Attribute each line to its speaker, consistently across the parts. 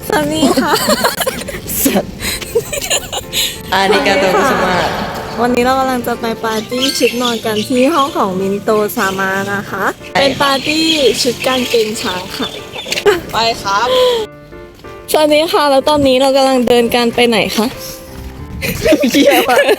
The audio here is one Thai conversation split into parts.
Speaker 1: สวัสดีค่ะ
Speaker 2: อาริกาโตกุสมา
Speaker 1: วันนี้เรากำลังจะไปปาร์ตี้ชุดนอนกันที่ห้องของมินโตซามานะคะ เป็นปาร์ตี้ชุดกางเกงช้างค่ะ
Speaker 2: ไปครับ
Speaker 1: สวัสดีค่ะ แล้วตอนนี้เรากำลังเดินกันไปไหนคะ
Speaker 2: เยี่ยมอะ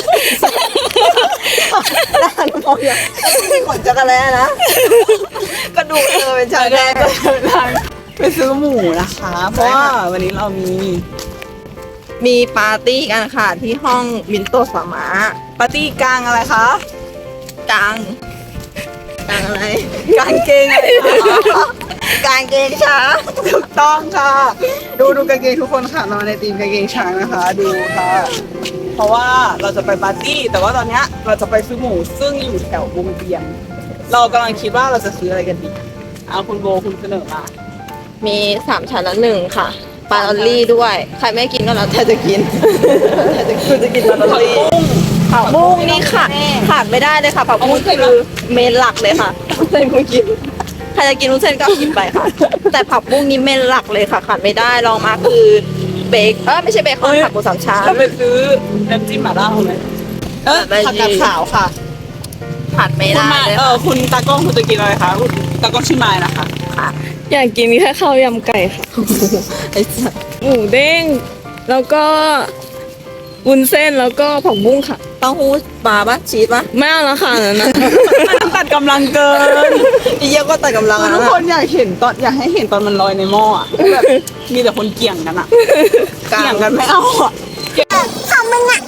Speaker 2: ด้านมองอย่างมีขนจักรแล้นะกระดูกเป็นชาแดงไปซื้อหมูนะคะ เพราะว่าวันนี้เรามีปาร์ตี้กันค่ะที่ห้องมินโตสามาปาร์ตี้กลางอะไรคะกลางอะไรกางเกงอะไรคะกางเกงช้างถูกต้องค่ะ ดูกางเกงทุกคนค่ะนอนในธีมกางเกงช้างนะคะ ดูค่ะ เพราะว่าเราจะไปปาร์ตี้แต่ว่าตอนเนี้ยเราจะไปซื้อหมูซึ่งอยู่แถววงเวียนเรากำลังคิดว่าเราจะซื้ออะไรกันดีเอาคุณโบคุณเสนอมา
Speaker 1: มี3ชั้นละ1ค่ะ ปลาลอลลี่ด้วย ใครไม่กินก็แล้วแต่จะกิน
Speaker 2: คุณจะกินปลาลอลลี่
Speaker 1: ผักบุ้งนี่ค่ะขาดไม่ได้เลยค่ะผักบุ้งคือเมนหลักเลยค่ะเส้นคุณกินใครจะกินวุ้นเส้นก็กินไปค่ะ แต่ผักบุ้งนี่เมนหลักเลยค่ะขาดไม่ได้ลองมาคือเบคไม่ใช่เบคอนผักหมูสามชั้น
Speaker 2: เราไปซื้อน้ำจิ้มหม่าล่าไหมผักกาดขาวค่ะ
Speaker 1: ขาดไม่
Speaker 2: คุณ
Speaker 1: ได้
Speaker 2: มา
Speaker 1: เลย
Speaker 2: คุณตากล้องคุณจะกินอะไรคะคุณตากล้องชื่อไม้นะคะ
Speaker 1: อยากกินแค่ข้าวยำไก่ค่ะไอ้สัสหมูเด้งแล้วก็วุ้นเส้นแล้วก็ผักบุ้งค่ะ
Speaker 2: เต้าหู้ปลาปะชีสปะ
Speaker 1: ไม่เอาละค่ะนั่นนะ
Speaker 2: มันตัดกำลังเกินอีเยี่ยก็ตัดกำลังทุกคนอยากให้เห็นตอนมันลอยในหม้ออะแบบมีแต่คนเกี่ยงกันอะเกี่ยงกันไม่เอาอะของมึงอะ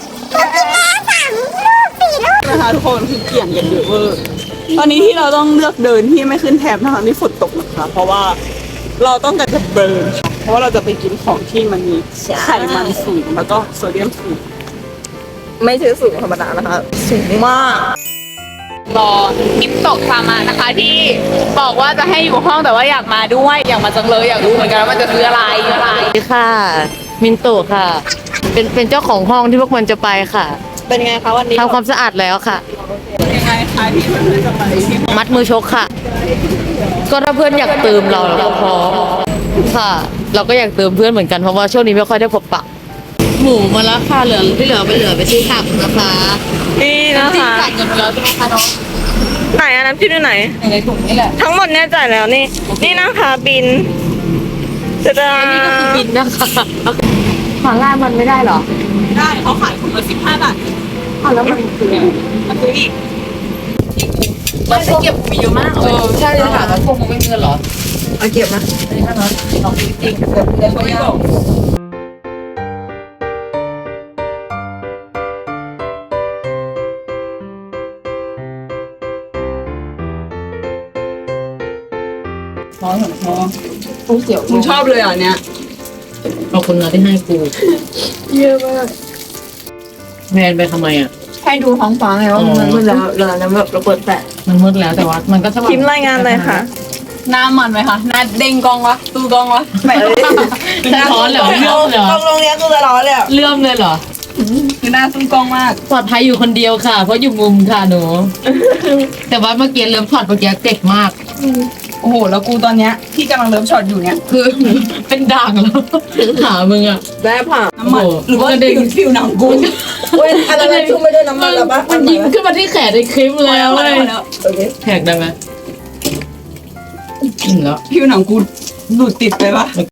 Speaker 2: นะคะทุกคนคือเกี่ยงกันเยอะเวอร์ตอนนี้ที่เราต้องเลือกเดินที่ไม่ขึ้นแถบทั้งที่ฝนตกนะคะเพราะว่าเราต้องการจะเบิร์นเพราะว่าเราจะไปกินของที่มันมีไขมันสูงแล้วก็โซเดียมสูง
Speaker 1: ไม่ใช่สูงธรรมดานะคะสูงมาก
Speaker 3: รอมิปโตะซามานะคะที่บอกว่าจะให้อยู่ห้องแต่ว่าอยากมาด้วยอยากมาจังเลยอยากรู้เหมือนกันว่ามันจะซื้ออะไร
Speaker 4: สวัสดีค่ะ มินโตะค่ะ เป็นเจ้าของห้องที่พวกมันจะไปค่ะ
Speaker 1: เป็นไงคะวันนี้
Speaker 4: ทำความสะอาดแล้วค่ะ
Speaker 2: ยังไงคะที่เพื่อนๆจะไปที่
Speaker 4: มัดมือชกค่ะ ก็ถ้าเพื่อนอยากเติมเราก็พร้อมค่ะ เราก็อยากเติมเพื่อนเหมือนกันเพราะว่าช่วงนี้ไม่ค่อยได้พบปะหมูมาแล้วค่ะเหลือที่เหลือไปซื้อผักนะคะ
Speaker 1: นี่นะ
Speaker 4: ที่
Speaker 1: คะ
Speaker 4: จ่ายเงินไปแล้วใช่ไหมคะน้อง
Speaker 1: ไหนอันน้ำจิ้มอยู่ไหน
Speaker 4: ในถุงนี่แหละ
Speaker 1: ทั้งหมดเนี่ยจ่ายแล้วนี่ นี่นะคะบินจะ
Speaker 4: อันนี้ก็คือบินนะคะหาล่ามันไม่ได้เหรอ
Speaker 2: ได้เขาขายถุงละ15 บาท
Speaker 4: อ้าวแล้วมันคือ
Speaker 2: มาซื้ออีก
Speaker 4: มันจะเก็บมีเยอะมากใช่เลยค่ะแล้วพวกมึงไม่มีเงินเหรอ
Speaker 2: เอาเก็บนะ
Speaker 4: อันนี้ค่ะน้องลองดูจริง
Speaker 2: เดี๋ยวเขาไม่บอกพอเสียวมึงชอบเลยอ่ะเนี้ย
Speaker 4: ขอบคุณนะที่ให้กู
Speaker 1: เยอะมาก
Speaker 4: แพนไปทำไมอ่ะ
Speaker 2: ให้ดูท้องฟ้าไงว่ามันมืดแล้วเราแบบเราเปิดแปะ
Speaker 4: มันมืดแล้วแต่ว่ามันก็สว่าง
Speaker 1: พิมพ์รายงานเลยค่ะ
Speaker 2: หน้ามันไหมคะหน้าเด้งกองวะตูกองวะไม่
Speaker 4: เป็นร้อนเหรอเลื่อมเหรอก
Speaker 2: องเนี้ยกูจะร้อนเลยอ่ะ
Speaker 4: เลื่อมเลยเหรอ
Speaker 2: คือหน้าตู้กองมาก
Speaker 4: ปลอดภัยอยู่คนเดียวค่ะ เพราะอยู่มุมค่ะหนู แต่ว่าเมื่อกี้เริ่มถอดเมื่อกี้เจ็บมาก
Speaker 2: โอ้โหแล้วกูตอนเนี้ยที่กำลังเริ่มช็อตอยู่เนี้ย
Speaker 4: คือ เป็นด่างแล้วหามึงอ่ะ
Speaker 1: ได้ผ่า
Speaker 2: น้ำมัน
Speaker 4: โอ้โห
Speaker 2: หรือว่า
Speaker 4: มันกระเด็น
Speaker 2: ผิวหนังกูเว้ยอะไรนะชุ่มไปด้วยน้ำมันแล้วปะ
Speaker 4: มันยิงขึ้นมาที่แขนในคลิปแล้ว
Speaker 2: พอ
Speaker 4: เว้ย
Speaker 2: แล้วโอเค
Speaker 4: แท็กได้ไหมอิ่มแล้ว
Speaker 2: ผิวหนังกูดูดติดไปปะ